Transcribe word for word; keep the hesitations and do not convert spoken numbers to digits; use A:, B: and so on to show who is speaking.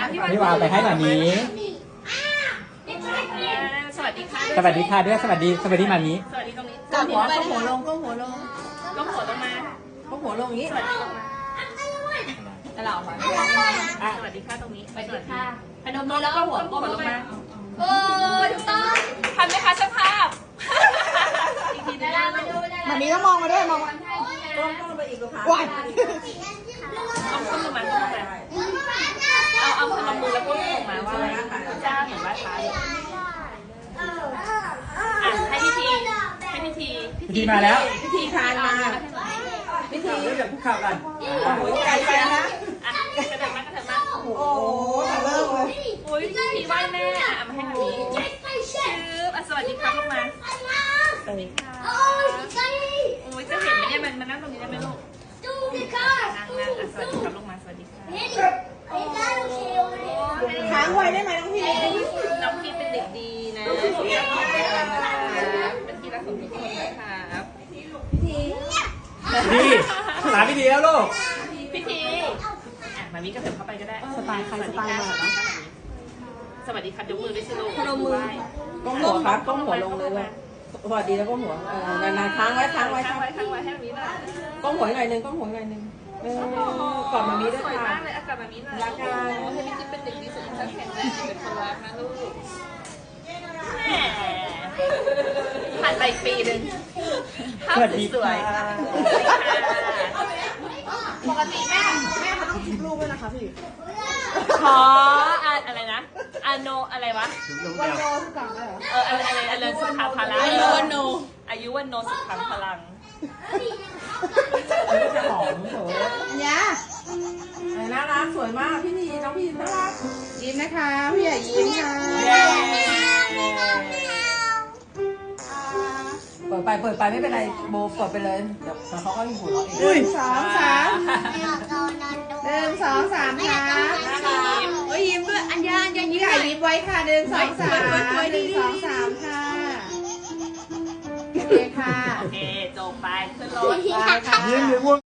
A: พี่วาวไปให้หมามี
B: สวัสดีค่ะ
A: สวัสดีค่ะด้วยสวัสดีสวัสดีหมามี
B: สวัสดีตรงนี้
C: ก้มหัวก้มหัวลงก้มหัวลง
B: ก้มหัวลงมา
C: ก้มหัวลงอย่างนี้
B: สวัสดีลงมา
C: ตลอดค่ะ
B: สวัสดีค่ะตรงนี้
C: สวัสดีค่ะพนมมือแล้วก็หัวก้มลงมา
B: โอ้ถูกต้องทันไหมคะช่างภาพอีกทีนึง
C: มันนี้ต้องมองมาด้วยมองมาก้มก้มไปอีกลูกค้าว้าย
B: ต้องขึ้นลงมาขึ้นลงมาเอาเอาพนมมือแล้วก้มลงมาว่าอะไรเจ้าเหมือนไหว้พระเลยอ่ะให้พิธีให้พิธี
A: พิธีมาแล้ว
C: พิธีคานมาพิธี
A: เดี๋ยวคุกเข่ากัน
C: โอ้ยไกลไปนะ
B: อ่ะกระเถิบมากระเถิบมา
C: โอ้โหเลิกเลย
B: โอ้ยพิธีไหว้แม่อ่ะเอามาให้แบบนี้ชื่ออ่ะสวัสดีครับลงมาสวัสดีค่ะโอ้ยจะเห็นไหมเนี่ยมันมันนั่งตรงนี้ได้ไหมลูกนั่งนั่งอ่ะสวัสดีครับลงมาสวัสดีค่ะ
C: ค้างไว้ได้ไหมน้องพี่
B: น้องพีเป็นเด็กดีนะเป็นที่รักของทุกคนนะครับ
A: ดีหลานพิธีแล้วลูก
B: พิธีอ่ะมามีกระเถิบเข้าไปก็ได้
C: สไตล์ใครสไตล์มา
B: สวัสดีครับยกมือด้วยสิลูก
C: พนมมือก้มหัวครับก้มหัวลงเลยเลยสวัสดีแล้วก้มหัวเออนานๆค้างไว้ค้างไว้
B: ค้างไว้ค้างไว้ให้มีหน่อย
C: ก้มหัวหน่อยนึงก้มหัวหน่อยนึงเออกอดมามีด้วย
B: สวย
C: ค่ะ
B: มากเลยอากาศแบบนี้หน่อยรักกันให้พี่จิ๊บเป็นเด็กดีสุดท้ายแข็งแรงเป็นคนรักนะลูกแหมผ่านไปปีหนึ่งภาพสวยปกติแม่แม่เขาต้องคิดรูปด้วยนะคะพี่ขออะไรนะอโนอะไรวะวันโนสุขังเหรอเอออะไรอะไรอะไรสุขาพลังอายุวันโนอายุวันโนสุขังพลัง
C: มันก็จะหอมโถยาน่ารักสวยมากพี่ทีน้องพี่น่ารักยิ้มนะคะพี่ใหญ่ยิ้มค่ะเปิดไปเปิดไปไม่เป็นไรโบเปิดไปเลยเดี๋ยวเขาก็อยู่หัวเราะเองหนึ่งสองสามหนึ่งสองสามค่ะโอ้ยยิ้มด้วยอัญญาอัญญายิ้มใหญ่ยิ้มไว้ค่ะหนึ่งสองสามหนึ่งสองสามค่ะโอเคค่ะ
B: โอเคจบไปขึ้นรถ
C: ไปค่ะ
A: ยิ้มหรือง่วง